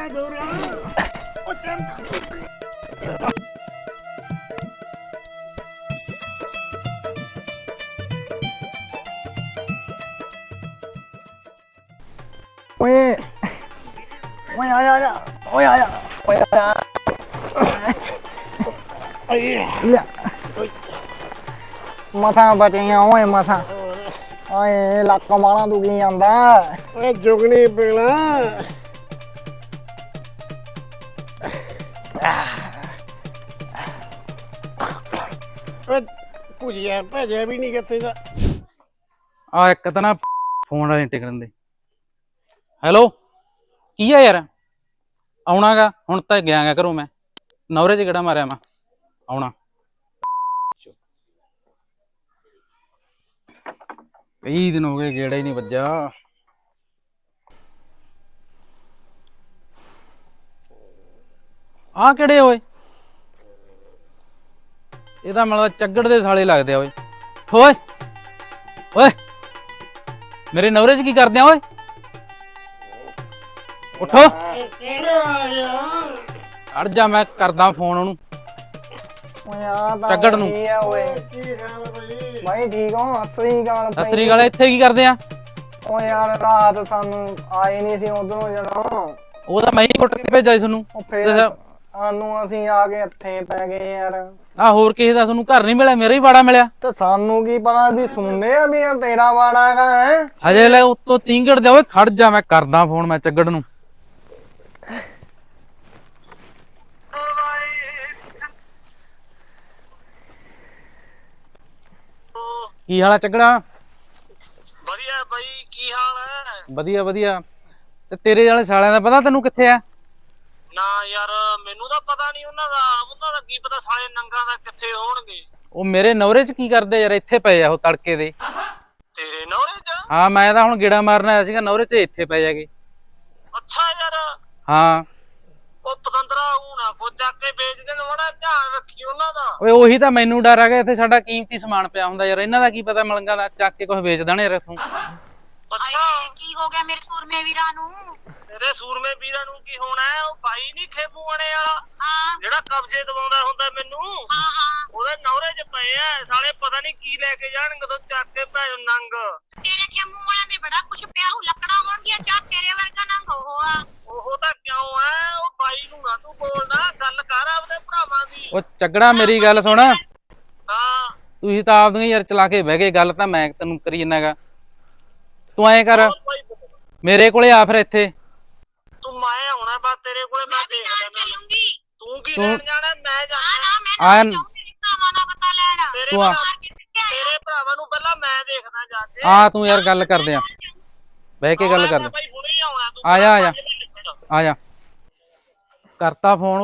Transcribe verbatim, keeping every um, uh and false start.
ਓਏ ਓਏ ਆ ਜਾ ਓਏ ਆ ਜਾ ਓਏ ਆ ਜਾ ਲੈ ਮਸਾਂ ਬਚੀਆਂ ਓਏ ਮਸਾਂ ਓਏ ਲੱਕ ਮਾਲਾ ਦੁਖੀ ਜਾਂਦਾ ਓਏ ਜੁਗਨੀ ਪੀਲਾ ਓਏ ਭੁਜਿਆ ਭਜਿਆ ਵੀ ਨਹੀਂ ਕਿੱਥੇ ਦਾ ਆ ਇੱਕ ਤਾਂ ਨਾ ਫੋਨ ਵਾਲੇ ਟਿਕਣ ਦੇ ਹੈਲੋ ਕੀ ਆ ਯਾਰ ਆਉਣਾਗਾ ਹੁਣ ਤਾਂ ਗਿਆ ਗਾ ਘਰੋਂ ਮੈਂ ਨੌਰੇ 'ਚ ਕਿਹੜਾ ਮਾਰਿਆ ਮੈਂ ਆਉਣਾ ਕਈ ਦਿਨ ਹੋ ਗਏ ਗੇੜਾ ਹੀ ਨਹੀਂ ਵੱਜਾ ਆ ਕਿਹੜੇ ਓਏ ਇਹਦਾ ਮਤਲਬ ਚੱਗੜ ਦੇ ਸਾਲੇ ਲੱਗਦੇ ਆ ਓਏ ਓਏ ਓਏ ਮੇਰੇ ਨੌਰੇ 'ਚ ਕੀ ਕਰਦੇ ਆ ਓਏ ਉੱਠੋ ਅੜ ਜਾ ਮੈਂ ਕਰਦਾ ਫੋਨ ਉਹਨੂੰ ਓਏ ਆ ਤਾਂ ਚੱਗੜ ਨੂੰ ਕੀ ਆ ਓਏ ਭਾਈ ਠੀਕ ਹੋ ਅਸਰੀ ਗਾਲ ਸਤਿ ਸ੍ਰੀ ਅਕਾਲ ਇੱਥੇ ਕੀ ਕਰਦੇ ਆ ਓ ਯਾਰ ਰਾਤ ਸਾਨੂੰ ਆਏ ਨਹੀਂ ਸੀ ਉਧਰੋਂ ਜਦੋਂ ਉਹ ਤਾਂ ਮੈਂ ਹੀ ਕੁੱਟ ਕੇ ਭੇਜਿਆ ਸੀ ਤੁਹਾਨੂੰ ਉਹ ਫੇਰ ਸਾਨੂੰ ਅਸੀਂ ਆ ਕੇ ਇੱਥੇ ਪੈ ਗਏ ਯਾਰ ਆ ਹੋਰ ਕਿਸੇ ਦਾ ਤੁਹਾਨੂੰ ਘਰ ਨਹੀਂ ਮਿਲਿਆ ਮੇਰਾ ਹੀ ਬਾੜਾ ਮਿਲਿਆ ਤੇ ਸਾਨੂੰ ਕੀ ਪਤਾ ਵੀ ਸੁਣਦੇ ਆ ਵੀ ਇਹ ਤੇਰਾ ਬਾੜਾ ਹੈਗਾ ਹੈ ਹਜੇ ਲੈ ਉੱਤੋਂ ਤੀਂਗੜ ਦੇ ਓਏ ਖੜ ਜਾ ਮੈਂ ਕਰਦਾ ਫੋਨ ਮੈਂ ਚੱਗੜ ਨੂੰ ਕੀ ਹਾਲ ਆ ਚੱਗੜਾ ਵਧੀਆ ਬਾਈ ਕੀ ਹਾਲ ਹੈ ਵਧੀਆ ਵਧੀਆ ਤੇ ਤੇਰੇ ਵਾਲੇ ਸਾਲਿਆਂ ਦਾ ਪਤਾ ਤੈਨੂੰ ਕਿੱਥੇ ਆ ਨਾ ਯਾਰ ਮੈਨੂੰ ਤਾਂ ਪਤਾ ਨਹੀਂ ਉਹਨਾਂ ਦਾ ਉਹਨਾਂ ਦਾ ਕੀ ਪਤਾ ਸਾਲੇ ਨੰਗਾ ਦਾ ਕਿੱਥੇ ਹੋਣਗੇ ਉਹ ਮੇਰੇ ਨੌਰੇ 'ਚ ਕੀ ਕਰਦੇ ਯਾਰ ਇੱਥੇ ਪਏ ਆ ਉਹ ਤੜਕੇ ਦੇ ਤੇਰੇ ਨੌਰੇ ਚ ਹਾਂ ਮੈਂ ਤਾਂ ਹੁਣ ਗੇੜਾ ਮਾਰਨ ਆਇਆ ਸੀਗਾ ਨੌਰੇ 'ਚ ਇੱਥੇ ਪੈ ਜਾਗੇ ਅੱਛਾ ਯਾਰ ਹਾਂ ਉਹ ਪਤੰਦਰਾ ਹੋਣਾ ਕੋ ਚੱਕ ਕੇ ਵੇਚ ਦੇਣ ਬੜਾ ਧਿਆਨ ਰੱਖੀ ਉਹਨਾਂ ਦਾ ਓਏ ਉਹੀ ਤਾਂ ਮੈਨੂੰ ਡਰ ਆ ਗਿਆ ਇੱਥੇ ਸਾਡਾ ਕੀਮਤੀ ਸਮਾਨ ਪਿਆ ਹੁੰਦਾ ਯਾਰ ਇਹਨਾਂ ਦਾ ਕੀ ਪਤਾ ਮਲੰਗਾ ਦਾ ਚੱਕ ਕੇ ਕੁਝ ਵੇਚ ਦੇਣ ਯਾਰ ਇੱਥੋਂ ਅੱਛਾ ਕੀ ਹੋ ਗਿਆ ਮੇਰੇ ਸੂਰਮੇ ਵੀਰਾਂ ਨੂੰ ਤੇਰੇ ਸੂਰਮੇ ਵੀਰਾਂ ਨੂੰ ਕੀ ਹੋਣਾ ਹੈ ਉਹ ਬਾਈ ਨਹੀਂ ਖੇਬੂ ਆਣੇ ਵਾਲਾ ਹਾਂ ਜਿਹੜਾ ਕਬਜ਼ੇ ਦਵਾਉਂਦਾ ਹੁੰਦਾ ਮੈਨੂੰ ਹਾਂ ਹਾਂ ਉਹਦੇ ਨੌਰੇ 'ਚ ਪਏ ਆ ਸਾਲੇ ਪਤਾ ਨਹੀਂ ਕੀ ਲੈ ਕੇ ਜਾਣਗੇ ਤੋਂ ਚੱਕ ਕੇ ਭੈ ਨੰਗ ਤੇਰੇ ਖੇਮੂ ਵਾਲਾ ਨੇ ਬੜਾ ਕੁਛ ਪਿਆ ਹੋ ਲੱਕੜਾਂ ਹੋਣਗੀਆਂ ਚਾ ਤੇਰੇ ਵਰਗਾ ਨੰਗ ਉਹ ਆ ਉਹ ਤਾਂ ਕਿਉਂ ਆ ਉਹ ਬਾਈ ਨੂੰ ਨਾ ਤੂੰ ਬੋਲਦਾ ਗੱਲ ਕਰ ਆਪਦੇ ਭਰਾਵਾਂ ਦੀ ਉਹ ਚੱਗੜਾ ਮੇਰੀ ਗੱਲ ਸੁਣ ਹਾਂ ਤੁਸੀਂ ਤਾਂ ਆਪਦੀਆਂ ਯਾਰ ਚਲਾ ਕੇ ਬਹਿ ਗਏ ਗੱਲ ਤਾਂ ਮੈਂ ਤੈਨੂੰ ਕਰੀ ਜਨਾਗਾ ਤੂੰ ਐਂ ਕਰ ਮੇਰੇ ਕੋਲੇ ਆ ਫਿਰ ਇੱਥੇ ਤੂੰ ਮੈਂ ਆਉਣਾ ਬਸ ਤੇਰੇ ਕੋਲੇ ਮੈਂ ਦੇਖਦਾ ਮੈਂ ਚੱਲੂੰਗੀ ਤੂੰ ਕੀ ਲੈਣ ਜਾਣਾ ਮੈਂ ਨਾ ਜਾਣਾ ਨਾ ਮੈਂ ਆ ਨਾ ਭਰਾਵਾਂ ਦਾ ਪਤਾ ਲੈਣਾ ਤੇਰੇ ਤੂੰ ਆ। ਭਰਾ- ਤੇਰੇ ਭਰਾਵਾਂ ਨੂੰ ਪਹਿਲਾਂ ਮੈਂ ਦੇਖਦਾ ਜਾ ਕੇ ਆ ਤੂੰ ਯਾਰ ਗੱਲ ਕਰਦੇ ਆ ਬਹਿ ਕੇ ਗੱਲ ਕਰਦੇ ਬਾਈ ਹੁਣੇ ਹੀ ਆਉਣਾ ਤੂੰ ਆ ਜਾ ਆ ਜਾ ਪੰਜ ਮਿੰਟ ਫਿਰ। ਆ ਜਾ ਕਰਤਾ ਫੋਨ